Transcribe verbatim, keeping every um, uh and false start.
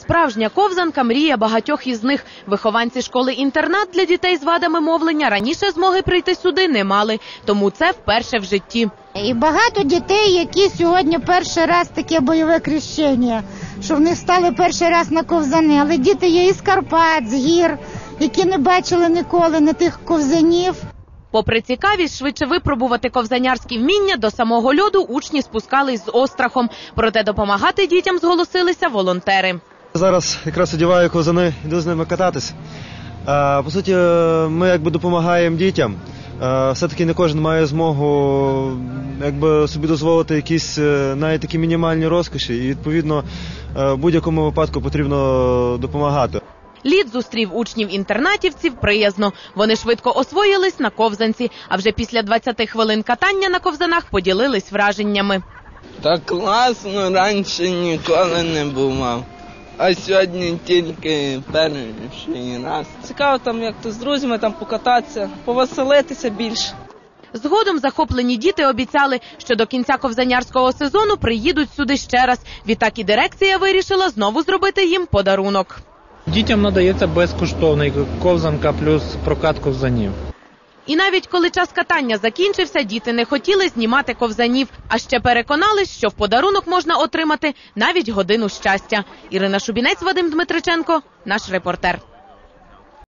Справжня ковзанка – мрія багатьох із них. Вихованці школи-інтернат для дітей з вадами мовлення раніше змоги прийти сюди не мали, тому це вперше в житті. І багато дітей, які сьогодні перший раз таке бойове хрещення, що в них стали перший раз на ковзани. Але діти є із Карпат, з гір, які не бачили ніколи на тих ковзанів. Попри цікавість швидше випробувати ковзанярські вміння, до самого льоду учні спускались з острахом. Проте допомагати дітям зголосилися волонтери. Зараз якраз одягаю ковзани, йду з ними кататись. По суті, ми якби допомагаємо дітям. Все-таки не кожен має змогу якби собі дозволити якісь навіть такі мінімальні розкоші. І відповідно в будь-якому випадку потрібно допомагати. Лід зустрів учнів-інтернатівців приязно. Вони швидко освоїлись на ковзанці, а вже після двадцяти хвилин катання на ковзанах поділились враженнями. Так класно, раніше ніколи не бував, а сьогодні тільки перший раз. Цікаво там, як то з друзями там покататися, повеселитися більше. Згодом захоплені діти обіцяли, що до кінця ковзанярського сезону приїдуть сюди ще раз. Відтак і дирекція вирішила знову зробити їм подарунок. Дітям надається безкоштовний ковзанка плюс прокат ковзанів. І навіть коли час катання закінчився, діти не хотіли знімати ковзанів, а ще переконались, що в подарунок можна отримати навіть годину щастя. Ірина Шубінець, Вадим Дмитриченко, наш репортер.